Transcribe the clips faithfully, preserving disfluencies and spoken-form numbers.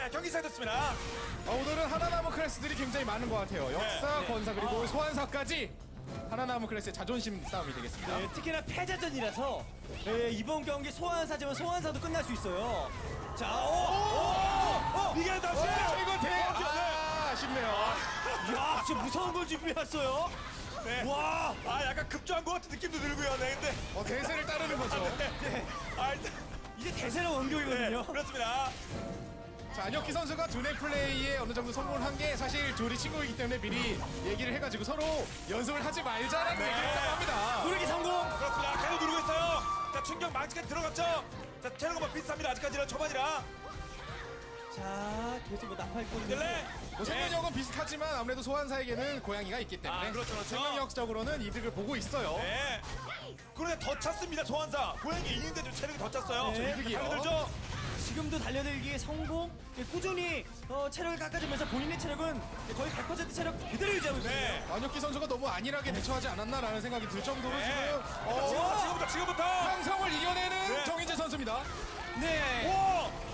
네, 경기 시작됐습니다. 어, 오늘은 하나남은 클래스들이 굉장히 많은 것 같아요. 역사, 네. 권사 그리고 아. 소환사까지 하나남은 클래스의 자존심 싸움이 되겠습니다. 네, 특히나 패자전이라서 네, 이번 경기 소환사지만 소환사도 끝날 수 있어요. 자, 오, 오, 오, 이게 다시 어, 이거 대 아, 아쉽네요. 야, 진짜 무서운 걸 준비했어요. 네. 와, 아, 약간 급조한 것 같은 느낌도 들고요. 네, 근데 어, 대세를 따르는 거죠. 네. 아, 일단 이게 대세는 네, 원격이거든요. 그렇습니다. 자, 안혁기 선수가 두뇌 플레이에 어느 정도 성공을 한 게 사실 둘이 친구이기 때문에 미리 얘기를 해가지고 서로 연습을 하지 말자라는 네. 얘기를 했다고 합니다. 누르기 성공. 그렇습니다. 계속 누르고 있어요. 자, 충격 망치까지 들어갔죠. 자, 체력은 뭐 비슷합니다. 아직까지는 초반이라. 자, 계속 뭐 나팔꾼. 딜레. 뭐 생명력은 비슷하지만 아무래도 소환사에게는 고양이가 있기 때문에 아, 그렇죠, 그렇죠. 생명력적으로는 이득을 보고 있어요. 네. 그런데 더 찼습니다. 소환사. 고양이 이긴데 좀 체력이 더 찼어요. 네. 이득이요. 달려들죠. 지금도 달려들기에 성공. 네, 꾸준히 어, 체력을 깎아주면서 본인의 체력은 거의 백 퍼센트 체력 그대로 유지하고 있거든요. 네. 안혁기 선수가 너무 안일하게 대처하지 않았나라는 생각이 들 정도로 네. 지금 자, 지금부터, 어, 지금부터, 지금부터. 상성을 이겨내는 네. 정인재 선수입니다. 네. 오!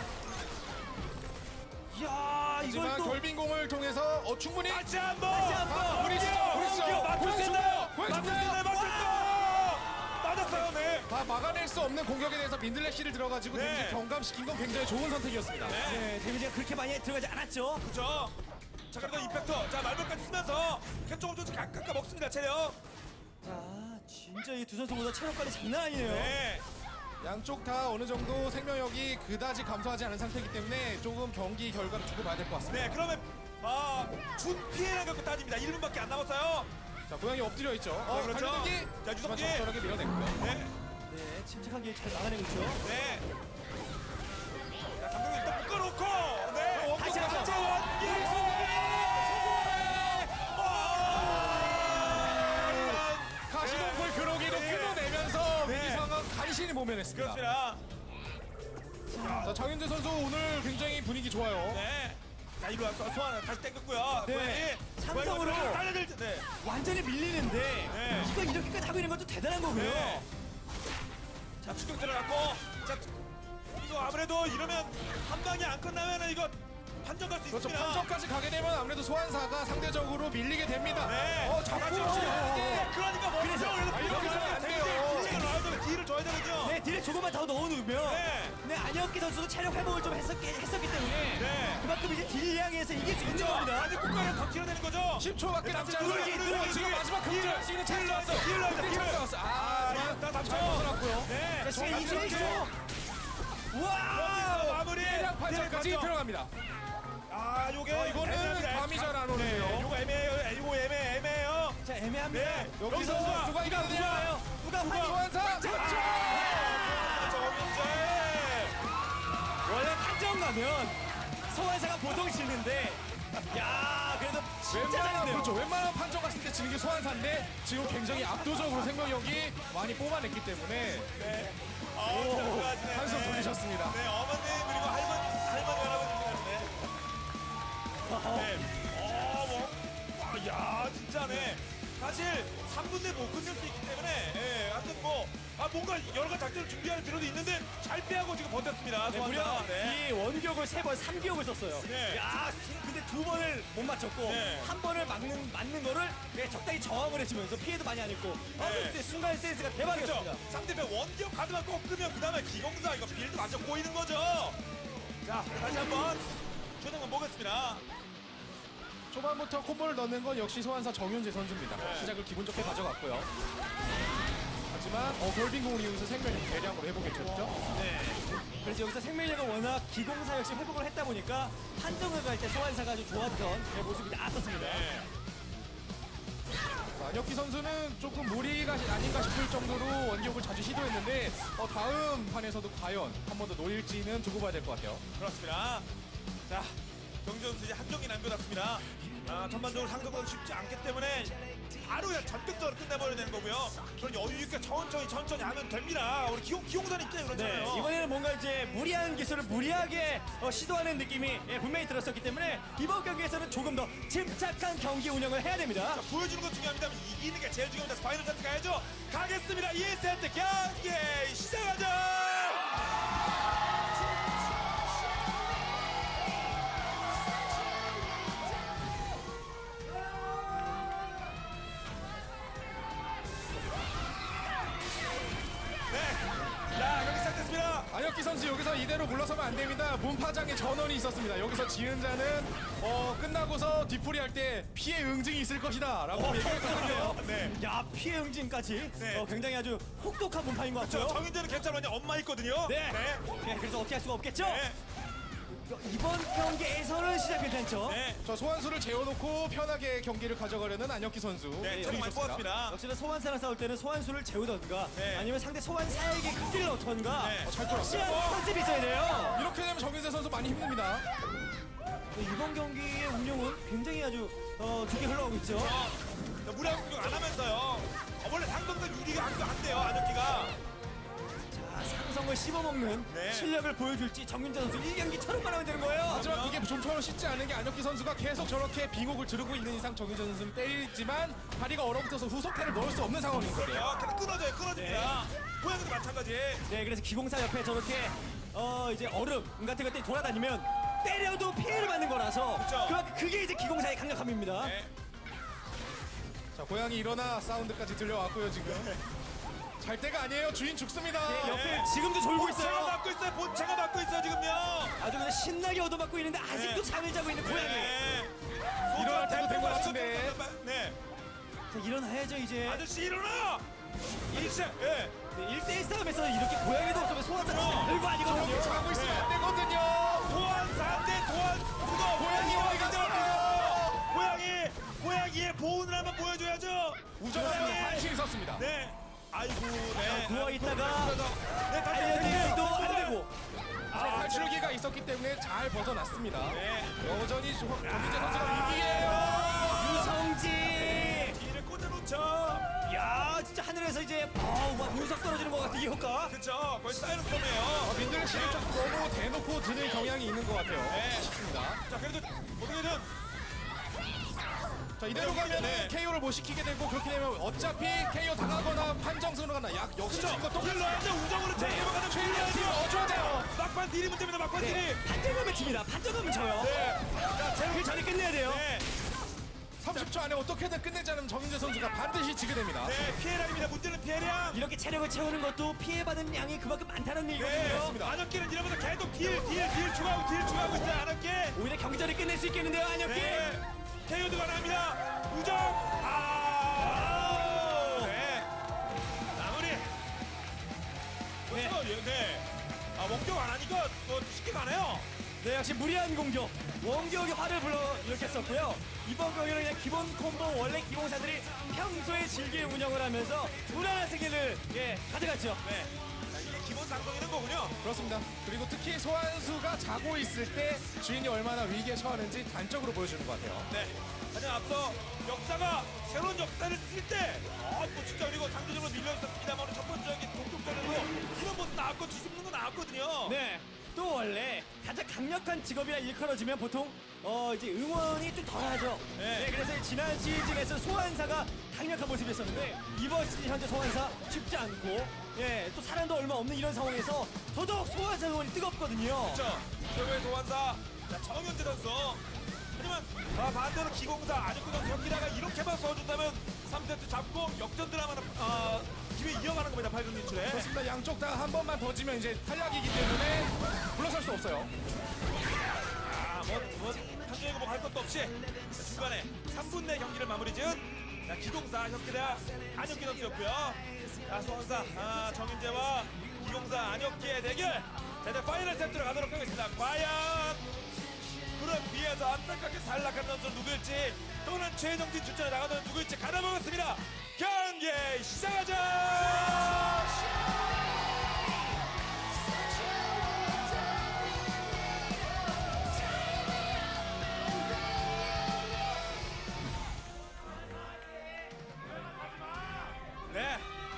이야, 이걸 하지만 또 결빙공을 통해서 어, 충분히 다시 한 번. 다시 한 번. 아, 보리죠, 보리죠, 맞출 수 보여주죠, 있나요? 보여주죠. 맞출 수 있나요? 맞출 수 있나요? 맞았어요. 네. 다 막아낼 수 없는 공격에 대해서 민들레시를 들어가지고 네. 데미지 경감시킨 건 굉장히 좋은 선택이었습니다. 네. 네, 데미지가 그렇게 많이 들어가지 않았죠. 그렇죠. 자, 그리고 임팩터. 자, 말벌까지 쓰면서 조금 조금씩 깎아 먹습니다. 체력. 자, 진짜 이 두 선수 모두 체력 관리 장난 아니네요. 네. 양쪽 다 어느 정도 생명력이 그다지 감소하지 않은 상태이기 때문에 조금 경기 결과를 주고 봐야 될 것 같습니다. 네, 그러면 아, 준 피해를 갖고 따집니다. 일 분밖에 안 남았어요. 자, 고양이 엎드려 있죠. 어, 네, 그렇죠. 달려들기. 자, 하지만 유성기. 적절하게 밀어냈고요. 네. 네, 침착하게 잘 막아내고 있죠. 네. 자, 감독님 일단 묶어놓고. 네. 원기 다시 한번. 강제 원기. 가시동굴 그러기도 네. 끊어내면서 네. 위기 상황 간신히 모면했습니다. 그렇습니다. 자, 장윤재 선수 오늘 굉장히 분위기 좋아요. 네. 자, 이리 와서 소환을 다시 땡겼고요. 네. 고양이. 삼성으로. 고양이 달려들 때. 네. 완전히 밀리는데 네. 이거 이렇게까지 하고 있는 것도 대단한 거고요. 네. 자, 추격 들어갔고. 자, 이거 아무래도 이러면 한 방이 안 끝나면은 이거 판정 갈 수 그렇죠. 있습니다. 판정까지 가게 되면 아무래도 소환사가 상대적으로 밀리게 됩니다. 네. 어, 자꾸 그렇죠. 네. 그러니까 뭐 그래서 그래서 아, 이렇게 하면 안 돼요. 딜을 넣어야 되면 딜을 줘야 되거든요. 네, 딜에 조금만 더 넣어놓으면 네. 네, 안혁기 선수도 체력 회복을 좀 했었기, 했었기 때문에 네. 그만큼 이제 딜 향해서 이길 수 있는 겁니다. 아직 국가를 더 튀어내는 거죠. 십 초밖에 남지 않은 누르기, 상황. 누르기, 지금 누르기. 마지막 급제할 수 있는 찬스 왔어. 딜을 넣었어, 그때 딜을. 찬스 왔어. 아, 아, 하지만 이거 다 잘 잡죠. 벗어났고요. 네. 자, 시간 이십일 이렇게. 초. 와! 여기서 마무리. 대략 판정까지 딜을 들어갑니다. 아, 요게 어, 이거는 애매합니다. 감이 잘 안 오네요. 네, 요거 애매해요. 이거 애매 애매해요. 자, 애매합니다. 네. 여기서 여기서 누가 이기느냐? 좋아요. 누가 화 소환사 그렇죠. 정인재. 원래 판정 가면 소환사가 보통 지는데 야, 그래도 진짜 웬만한 잘했네요. 그렇죠. 웬만한 판정 갔을 때 지는 게 소환사인데 지금 굉장히 압도적으로 생명력이 많이 뽑아냈기 때문에 네. 아, 잘하시네. 한숨 돌리셨습니다. 네, 어머님 그리고 할머니 할머니 할아버지시네. 네. 어, 뭐. 아, 야, 진짜네. 사실 삼 분 내에 못 끝낼 수 있기 때문에 예, 하여튼 뭐 아, 뭔가 여러 가지 작전을 준비할 필요도 있는데 잘 피하고 지금 버텼습니다. 네, 소환사. 무려 네. 이 원격을 세 번, 삼 기억을 썼어요. 네. 야, 근데 두 번을 못 맞췄고 네. 한 번을 막는 맞는 거를 네, 적당히 저항을 해주면서 피해도 많이 안 입고 아, 네. 그때 순간 센스가 대박이었습니다. 그렇죠. 상대편 원기업 카드만 꺾으면 그 다음에 기공사 이거 빌드 완전 꼬이는 거죠. 자, 다시 한번 초등만 보겠습니다. 초반부터 콤보를 넣는 건 역시 소환사 정윤재 선수입니다. 네. 시작을 기분 좋게 가져갔고요. 하지만 어, 결빙공을 이용해서 생명력 대량으로 회복했죠. 네. 그래서 여기서 생명력은 워낙 기공사 역시 회복을 했다 보니까 판정을 갈 때 소환사가 아주 좋았던 네, 모습이 나왔었습니다. 네. 자, 안혁기 선수는 조금 무리가 아닌가 싶을 정도로 원기옥을 자주 시도했는데 어, 다음 판에서도 과연 한 번 더 노릴지는 두고 봐야 될 것 같아요. 그렇습니다. 자, 경기 선수 이제 한 경기 남겨놨습니다. 아, 전반적으로 상승은 쉽지 않기 때문에 바로 그냥 전격적으로 끝내버려야 되는 거고요. 그런 여유 있게 천천히 천천히 하면 됩니다. 우리 기용, 기용산 입장에 네, 그렇잖아요. 이번에는 뭔가 이제 무리한 기술을 무리하게 어, 시도하는 느낌이 예, 분명히 들었었기 때문에 이번 경기에서는 조금 더 침착한 경기 운영을 해야 됩니다. 자, 보여주는 건 중요합니다. 이기는 게 제일 중요합니다. 파이널 세트 가야죠. 가겠습니다. 이 세트 경기 시작하죠. 선수 여기서 이대로 물러서면 안 됩니다. 문파장의 전원이 있었습니다. 여기서 지은자는 어, 끝나고서 뒤풀이 할 때 피해 응징이 있을 것이다 라고 얘기했거든요. 네. 야 피해 응징까지 네. 어, 굉장히 아주 혹독한 문파인 것 저 같고요. 정인재는 괜찮은데 엄마 있거든요. 네. 네. 네, 그래서 어떻게 할 수가 없겠죠? 네. 이번 경기에서는 시작 괜찮죠? 네. 자, 소환수를 재워놓고 편하게 경기를 가져가려는 안혁기 선수. 네. 체력 많이 좋습니다. 뽑았습니다. 역시나 소환사랑 싸울 때는 소환수를 재우던가 네. 아니면 상대 소환사에게 극딜을 넣던가 네. 어, 잘 끌었어요. 확실한 컨셉이 있어야 돼요. 이렇게 되면 정인재 선수 많이 힘듭니다. 네, 이번 경기의 운영은 굉장히 아주 어, 좋게 흘러가고 있죠. 자, 무리한 공격 안 하면서요. 어, 원래 상성도 유리가 안, 안 돼요, 안혁기가. 자, 상성을 씹어먹는 네. 실력을 보여줄지 정민재 선수 일 경기처럼만 하면 되는 거예요. 하지만 그게 좀처럼 쉽지 않은 게 안혁기 선수가 계속 저렇게 빙옥을 지르고 있는 이상 정인재 선수는 때리지만 다리가 얼어붙어서 후속타를 넣을 수 없는 상황인 거예요. 어, 계속 끊어져요, 끊어집니다. 고양이도 마찬가지. 네, 그래서 기공사 옆에 저렇게 어 이제 얼음 같은 것들이 돌아다니면 때려도 피해를 받는 거라서 그쵸. 그만큼 그게 이제 기공사의 강력함입니다. 네. 자, 고양이 일어나 사운드까지 들려왔고요, 지금. 잘 때가 아니에요. 주인 죽습니다. 네, 옆에 지금도 졸고 본체가 있어요. 맞고 있어요, 본체가 맞고 있어요, 지금요. 아주 그냥 신나게 얻어맞고 있는데 아직도 네. 잠을 자고 있는 고양이. 네. 일어날 때도 된것 같은데. 네. 자, 일어나야죠 이제. 아저씨 일어나! 일세, 예. 네, 일 대일 싸움에서 이렇게 고양이도 없으면 소환사 진짜 별거 아니거든요. 저렇게 자고 있으면 안 되거든요. 소환사인데 소환 수가 고양이 어디 갔어요? 고양이 고양이의 보온을 한번 보여줘야죠. 우정하는 고양이. 한신이 섰습니다. 네. 아이고, 네. 누워 있다가 네, 다시 알려드리기도 안 되고. 아, 탈출기가 있었기 때문에 잘 벗어났습니다. 네. 여전히 조- 정민재 선수가 위기예요. 유성지. 뒤를 꽂아놓죠. 야, 진짜 하늘에서 이제 어우, 막 운석 떨어지는 것 같은 이 효과. 그쵸. 거의 사이렌 폼이에요. 민들 씨는 좀 너무 대놓고 드는 경향이 있는 것 같아요. 네. 싶습니다. 자, 그래도 어떻게든 자, 이대로 가면 네. 케이오를 못 시키게 되고 그렇게 되면 어차피 케이오 당하거나 판정승으로 가나 약 역시 그쵸. 지금 또 딜 넣어야죠. 우정으로 제 이름을 가는 최일련 팀 넣어줘야 돼요. 막판 딜이 문제입니다. 막판 딜이. 네, 판정하면 집니다. 판정하면 져요. 네. 자, 제 그 전에 끝내야 돼요. 네. 삼십 초 안에 어떻게든 끝내지 않으면 정인재 선수가 반드시 지게 됩니다. 네. 피해량입니다. 문제는 피해량. 이렇게 체력을 채우는 것도 피해받은 양이 그만큼 많다는 네. 얘기거든요. 안혁기는 이러면서 계속 딜, 딜, 딜 추가하고 딜 추가하고 있어요. 안혁기. 오히려 경기전을 끝낼 수 있겠는데요, 안혁기. 네. 케이오도 가능합니다. 우정. 아. 네. 마무리. 네. 네. 네. 아, 원격 안 하니까 뭐 쉽게 가네요. 네, 역시 무리한 공격. 원격이 화를 불러 일으켰었고요. 이번 경기는 그냥 기본 콤보 원래 기공사들이 평소에 즐길 운영을 하면서 무난한 승리를 예, 가져갔죠. 네. 자, 이게 기본 상성이는 거군요. 그렇습니다. 그리고 특히 소환수가 자고 있을 때 주인이 얼마나 위기에 처하는지 단적으로 보여주는 것 같아요. 네. 하지만 앞서 역사가 새로운 역사를 쓸 때, 어, 뭐 진짜 그리고 상대적으로 밀려 있었습니다만 첫 번째 경기 동쪽전에도 이런 모습 나왔고 뒤집는 거 나왔거든요. 네. 또 원래 가장 강력한 직업이라 일컬어지면 보통 어 이제 응원이 좀 덜하죠. 네. 네. 그래서 지난 시즌에서 소환사가 강력한 모습이었었는데 이번 시즌 현재 소환사 쉽지 않고 예 또 사람도 얼마 없는 이런 상황에서 더더욱 소환사 응원이 뜨겁거든요. 그렇죠. 최고의 소환사 자, 정현재 선수. 하지만 아, 반대로 기공사 안혁구 선수 경기다가 이렇게만 써준다면 삼 세트 잡고 역전 드라마는 아, 기회 이어가는 겁니다. 팔 강 진출에. 그렇습니다. 양쪽 다 한 번만 더 지면 이제 탈락이기 때문에 물러설 수 없어요. 아, 뭐, 뭐, 판정이고 뭐 할 것도 없이 자, 중간에 삼 분 내 경기를 마무리 지은 자, 기공사 혁기대 안혁기 선수였고요. 자, 소환사 아, 정인재와 기공사 안혁기의 대결. 자, 이제 파이널 세트로 가도록 하겠습니다. 과연 그룹 B에서 안타깝게 탈락한 선수 누구일지 또는 최종진 출전에 나가는 누구일지 가다보겠습니다. 경기 시작하자! 네.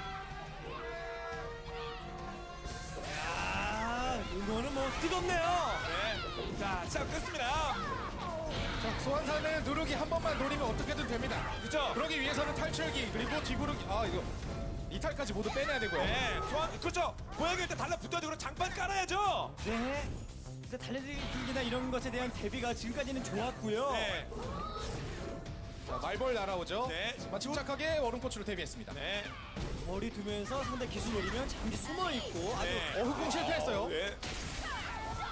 아 이거는 뭐 뜨겁네요. 네. 자, 시작됐습니다. 자, 소환사는 누르기 한 번만 노리면 어떻게든 됩니다. 그죠? 그러기 위해서는 탈출기 그리고 뒤부르기 아 이거 이탈까지 모두 빼내야 되고요. 네. 소환, 그렇죠. 고양이일 때 달라붙어야 되고 장판 깔아야죠. 네. 근데 달려들기나 이런 것에 대한 대비가 지금까지는 좋았고요. 네. 자, 말벌 날아오죠. 네. 하지만 침착하게 얼음코치로 데뷔했습니다. 네. 머리 두면서 상대 기술 노리면 잠시 숨어 있고 아주 네. 어, 흑공 실패했어요. 네.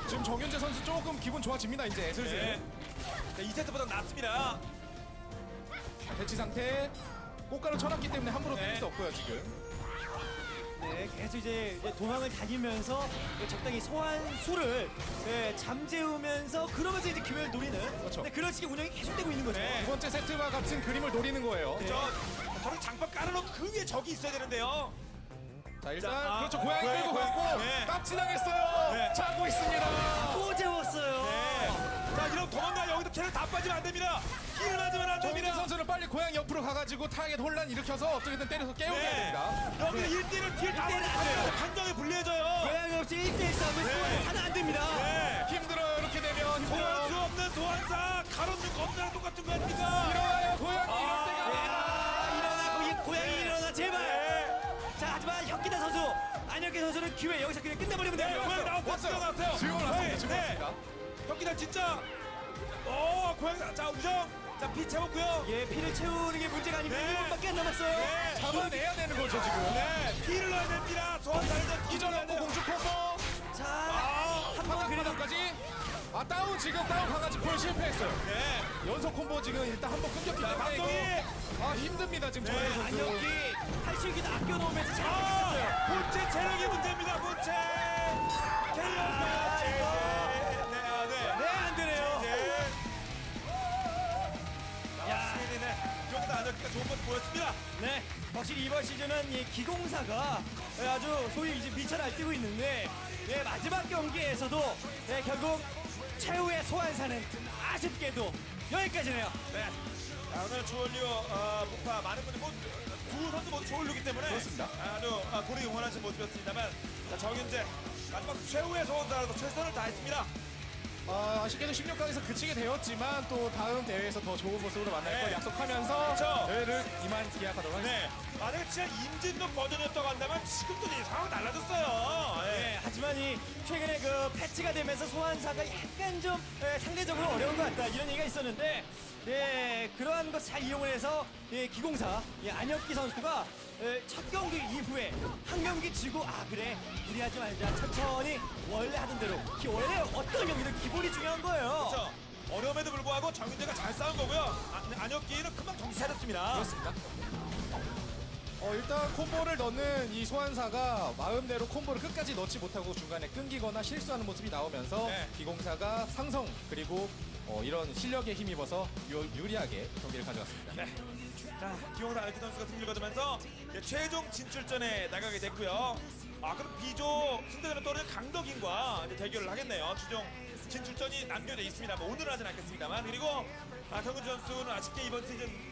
지금 정윤재 선수 조금 기분 좋아집니다. 이제 슬슬. 네. 자, 이 세트보다 낫습니다. 대치 상태. 꽃가루 쳐놨기 때문에 함부로 네. 때릴 수 없고요 지금. 네, 계속 이제 이제 도망을 다니면서 적당히 소환수를 네, 잠재우면서 그러면서 이제 기회를 노리는 그렇죠. 네, 그런 식의 운영이 계속되고 있는 거죠. 네. 두 번째 세트와 같은 그림을 노리는 거예요. 네. 저 저런 장판 깔아놓고 그 위에 적이 있어야 되는데요. 자 일단 자, 아, 그렇죠 고양이 고양이, 끌고 고양이. 갔고 네. 깝치당했어요. 네. 차고 있습니다. 또 재웠어요. 네. 자 이러면 도망가. 여기서 체력 다 빠지면 안 됩니다. 힐을 맞으면 안 정민재 됩니다. 선수는 빨리 고양이 옆으로 가가지고 타겟 혼란 일으켜서 어떻게든 때려서 깨우게 해야 네. 됩니다. 여기 일 대일은 딜 다 일 대일은 안 돼요. 올리면 판정이 불리해져요. 고양이 없이 일 대일 싸움을 네. 소환을 하면 안 됩니다. 네. 힘들어요 이렇게 되면. 소환 수 힘들어요. 없는 소환사 가로등 검사랑 똑같은 거 아닙니까? 일어나요 고양이 아. 이럴 때가. 아, 일어나 고기 고양이 네. 일어나 제발. 네. 자 하지만 혁기다 선수 안혁기 선수는 기회 여기서 그냥 끝내버리면 네, 돼요. 고양이 나왔어요. 왔어요. 진짜 나왔어요. 지금 왔습니다. 지금 네. 왔습니다. 혁기다 진짜. 오, 고양이. 자, 우정. 자, 피 채웠고요. 예 피를 채우는 게 문제가 아니고 네. 일 분밖에 안 남았어요. 네. 잡아내야 되는 거죠 지금. 네, 피를 넣어야 됩니다. 소환사는 기절하고 공주 콤보. 자 아, 한번 그래도 바닥바닥까지. 아 다운 지금 다운 강아지 풀 실패했어요. 네. 연속 콤보 지금 일단 한 번 끊겼기 자, 때문에 박동희. 이거 아 힘듭니다 지금 네, 정현 선수. 안혁기 탈출기도 아껴놓으면서 잘 아, 끊겼어요. 본체 체력이 문제입니다. 본체. 체력. 아, 네, 이거. 네, 아, 네. 네 안 되네요. 네. 나왔습니다. 네. 이정도 안혁기가 좋은 모습 보였습니다. 네, 확실히 이번 시즌은 이 기공사가 아주 소위 이제 미쳐 날뛰고 있는데, 네, 마지막 경기에서도 네, 결국 최후의 소환사는 아쉽게도 여기까지네요. 네. 자, 오늘 조올류 어, 목파 많은 분들 뭐, 두 선수 모두 조올류기 때문에 그렇습니다. 아주 아, 고르게 응원하신 모습이었습니다만 자, 정윤재 마지막 최후의 소원사라서 최선을 다했습니다. 아, 아쉽게도 십육 강에서 그치게 되었지만 또 다음 대회에서 더 좋은 모습으로 만날 네. 걸 약속하면서 그렇죠. 대회를 이만 기약하도록 하겠습니다. 네. 만약에 진짜 임진동 버전이었다고 한다면 지금도 이 상황 달라졌어요. 예. 네, 하지만 이 최근에 그 패치가 되면서 소환사가 약간 좀 예, 상대적으로 어려운 것 같다 이런 얘기가 있었는데, 네, 그러한 것 잘 이용을 해서 예, 기공사 예, 안혁기 선수가 예, 첫 경기 이후에 한 경기 지고 아 그래 무리하지 말자 천천히 원래 하던 대로 기- 원래 어떤 경기든 기본이 중요한 거예요. 그렇죠. 어려움에도 불구하고 정윤재가 잘 싸운 거고요. 안, 안혁기는 금방 정신 차렸습니다. 그렇습니다. 어, 일단 콤보를 넣는 이 소환사가 마음대로 콤보를 끝까지 넣지 못하고 중간에 끊기거나 실수하는 모습이 나오면서 네. 기공사가 상성 그리고 어, 이런 실력에 힘입어서 유, 유리하게 경기를 가져갔습니다. 네. 자, 기용사 알키 선수가 승리를 거두면서 이제 최종 진출전에 나가게 됐고요. 아, 그럼 B조 승대전에 떠오르는 강덕인과 이제 대결을 하겠네요. 최종 진출전이 남겨져 있습니다. 뭐 오늘은 하진 않겠습니다만. 그리고 아, 경은지 선수는 아쉽게 이번 시즌